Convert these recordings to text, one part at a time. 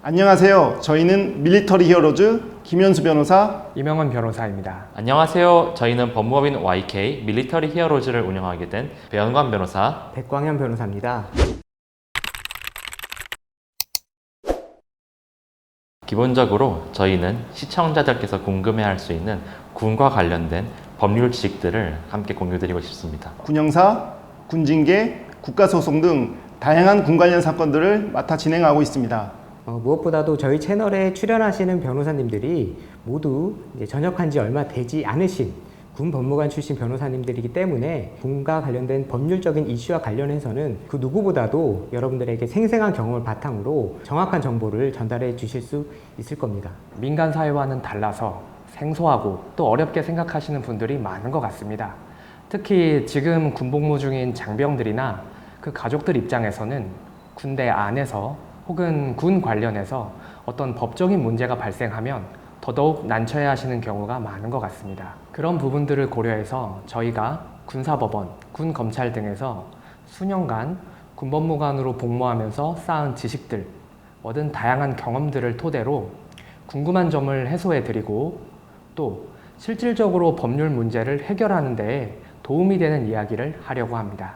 안녕하세요. 저희는 밀리터리 히어로즈 김현수 변호사, 이명헌 변호사입니다. 안녕하세요. 저희는 법무법인 YK 밀리터리 히어로즈를 운영하게 된 배현관 변호사, 백광현 변호사입니다. 기본적으로 저희는 시청자들께서 궁금해할 수 있는 군과 관련된 법률 지식들을 함께 공유드리고 싶습니다. 군형사, 군징계, 국가소송 등 다양한 군 관련 사건들을 맡아 진행하고 있습니다. 무엇보다도 저희 채널에 출연하시는 변호사님들이 모두 이제 전역한 지 얼마 되지 않으신 군 법무관 출신 변호사님들이기 때문에 군과 관련된 법률적인 이슈와 관련해서는 그 누구보다도 여러분들에게 생생한 경험을 바탕으로 정확한 정보를 전달해 주실 수 있을 겁니다. 민간 사회와는 달라서 생소하고 또 어렵게 생각하시는 분들이 많은 것 같습니다. 특히 지금 군복무 중인 장병들이나 그 가족들 입장에서는 군대 안에서 혹은 군 관련해서 어떤 법적인 문제가 발생하면 더더욱 난처해 하시는 경우가 많은 것 같습니다. 그런 부분들을 고려해서 저희가 군사법원, 군검찰 등에서 수년간 군법무관으로 복무하면서 쌓은 지식들, 얻은 다양한 경험들을 토대로 궁금한 점을 해소해 드리고 또 실질적으로 법률 문제를 해결하는 데에 도움이 되는 이야기를 하려고 합니다.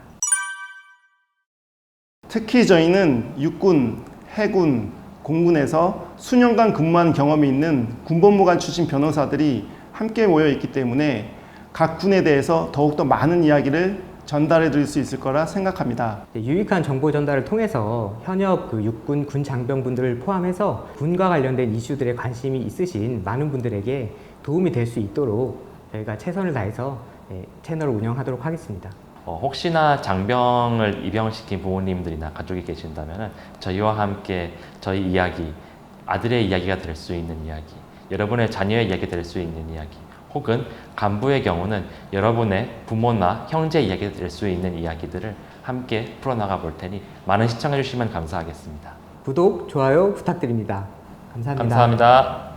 특히 저희는 육군, 해군, 공군에서 수년간 근무한 경험이 있는 군법무관 출신 변호사들이 함께 모여 있기 때문에 각 군에 대해서 더욱더 많은 이야기를 전달해 드릴 수 있을 거라 생각합니다. 유익한 정보 전달을 통해서 현역 육군 군 장병분들을 포함해서 군과 관련된 이슈들에 관심이 있으신 많은 분들에게 도움이 될 수 있도록 저희가 최선을 다해서 채널을 운영하도록 하겠습니다. 혹시나 장병을 입영시킨 부모님들이나 가족이 계신다면 저희와 함께 저희 이야기, 아들의 이야기가 될 수 있는 이야기, 여러분의 자녀의 이야기가 될 수 있는 이야기, 혹은 간부의 경우는 여러분의 부모나 형제 이야기가 될 수 있는 이야기들을 함께 풀어나가 볼 테니 많은 시청해 주시면 감사하겠습니다. 구독, 좋아요 부탁드립니다. 감사합니다. 감사합니다.